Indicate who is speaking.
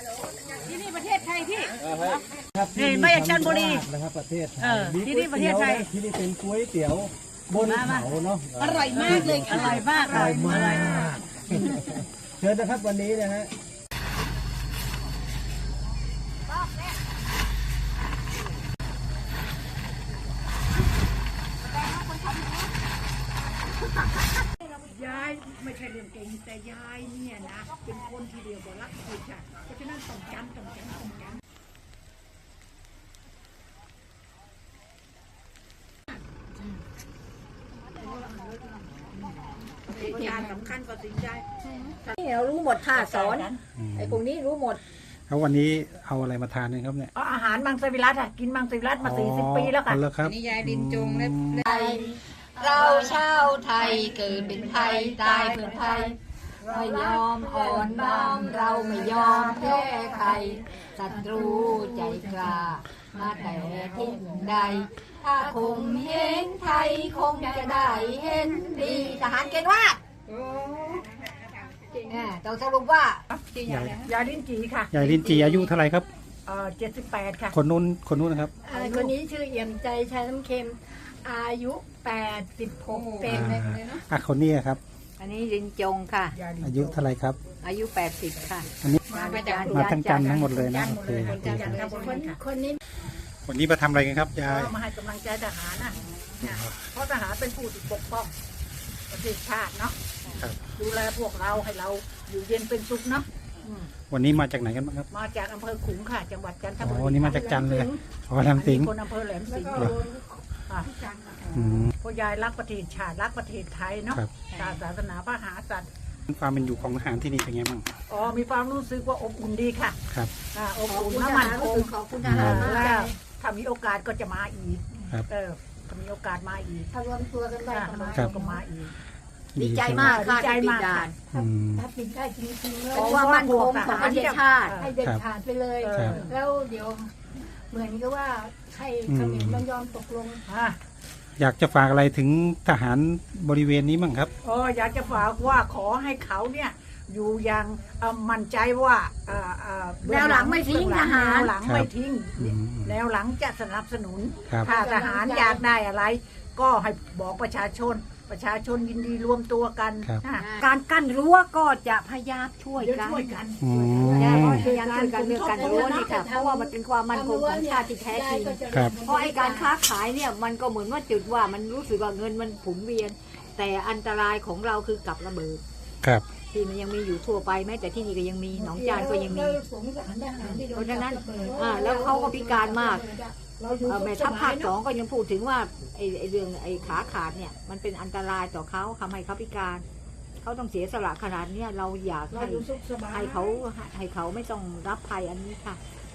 Speaker 1: ที่นี่ประเทศไทยที่
Speaker 2: นี่
Speaker 1: ไม่ใช่ชันบุรี
Speaker 2: นะครับประเทศไทย
Speaker 1: ที่นี่ประเทศไทย
Speaker 2: ที่นี่เป็นก๋วยเตี๋ยวบนเขาเนาะ
Speaker 1: อร่อยมากเลยอร่อยมากอร่อยมาก
Speaker 2: เชิญนะครับวันนี้นะฮะ
Speaker 1: ยายไม่ใช่เรื่องเก่งแต่ยายเนี่ยนะเป็นคนที่เดียวบอกรักผิดค่ะเพราะฉะนั้นต้องจำการสำคัญกว่าสิ่งใด
Speaker 3: นี่เรารู้หมดค่ะสอนไอ้พวกนี้รู้หมด
Speaker 2: แล้ววันนี้เอาอะไรมาทานครับเนี่ย
Speaker 1: อาหารมังสวิรัติกินมังสวิรัติมา40 ปีแล้วค่ะ
Speaker 3: นี่ยายดินจงและเราชาวไทยเกิดเป็นไทยตายเพื่อไทยไม่ยอมอ่อนน้อมเราไม่ยอมแพ้ใครศัตรูใจกล้ามาแต่ที่ใดถ้าคงเห็นไทยคงจะได้เห็นดีทหารเกณฑ์ว่าต้องสรุปว่
Speaker 1: ายายลิ้นจีค่ะ
Speaker 2: ยายลิ้นจีอายุเท่าไหร่ครับ
Speaker 1: 78ค่ะ
Speaker 2: คนนู้นนะครับ
Speaker 3: คนนี้ชื่อเอี่ยมใจชาน้ำเค็มอายุ86เป็น
Speaker 2: คนนี้ครับ
Speaker 3: อันนี้ลินจงค่ะ
Speaker 2: อายุเท่าไหร่ครับ
Speaker 3: อายุ80ค่ะ
Speaker 2: อันนี้มาทั้งจันทั้งหมดเลยนะ
Speaker 3: คนนี้
Speaker 2: วันนี้มาทำอะไรกันครับยาย
Speaker 1: มาให้กำลังใจทหารนะเพราะทหารเป็นผู้ปกป้องประเทศชาติเนาะดูแลพวกเราให้เราอยู่เย็นเป็นสุขเนาะ
Speaker 2: วันนี้มาจากไหนกันบ้างครับ
Speaker 1: มาจากอำเภอขลุงค่ะจังหวัดจันทบุรี
Speaker 2: วันนี้มาจากจันเลยแหลมสิงห์
Speaker 1: คนอำเภอแหลมสิงห์พ่อยายรักประเทศชาติรักประเทศไทยเนาะศาสนาพระมหากษัตริย์
Speaker 2: ความเป็นอยู่ของทหารที่นี่เป็นไงบ้าง
Speaker 1: มีความรู้สึกว่าอบอุ่นดีค่ะ
Speaker 2: ครับ
Speaker 1: อบอุ่นน้ำมันคง
Speaker 3: ขอบคุณทหาร
Speaker 1: แล้วถ้ามีโอกาสก็จะมาอีกถ้ามีโอกาสมาอีก
Speaker 3: ถ้ารวมตัวกันได้
Speaker 1: ก็มาอีก
Speaker 3: ดีใจมากค่ะ
Speaker 1: ดีใจมาก
Speaker 3: ถ้าปิดได้จริงๆเพราะว่ามันคงของประเทศชาติให้เด็ดขาดไปเลยแล้วเดี๋ยวเหมือนกับว่าให้เขมรยอมตกลง
Speaker 2: อยากจะฝากอะไรถึงทหารบริเวณนี้บ้างครับ
Speaker 1: อยากจะฝากว่าขอให้เขาเนี่ยอยู่อย่างมั่นใจว่า
Speaker 3: แนวหลังไม่ทิ้งทหาร
Speaker 1: แนวหลังไม่ทิ้งแนวหลังจะสนับสนุนถ้าทหารอยากได้อะไรก็ให้บอกประชาชนยินดีรวมตัวกัน
Speaker 3: การกั้นรั้วก็จะพยายามช่วยกันพยายามช่วยกันเรื่องการรั้วนี่ค่ะเพราะว่ามันเป็นความมั่นคงของชาติที่แท้จริงเพราะไอ้การค้าขายเนี่ยมันก็เหมือนว่าจุดว่ามันรู้สึกว่าเงินมันผุนเวียนแต่อันตรายของเราคือกับระเบิดที่มันยังมีอยู่ทั่วไปแม้แต่ที่นี่ก็ยังมีหนองจานก็ยังมีเพราะฉะนั้นแล้วเขาก็พิการมากแม่ทัพภาค2ก็ยังพูดถึงว่าไอ้เรื่องไอ้ขาขาดเนี่ยมันเป็นอันตรายต่อเขาทำให้เขาพิการเขาต้องเสียสละขนาดนี้เราอยากให้เขาไม่ต้องรับภัยอันนี้ค่ะ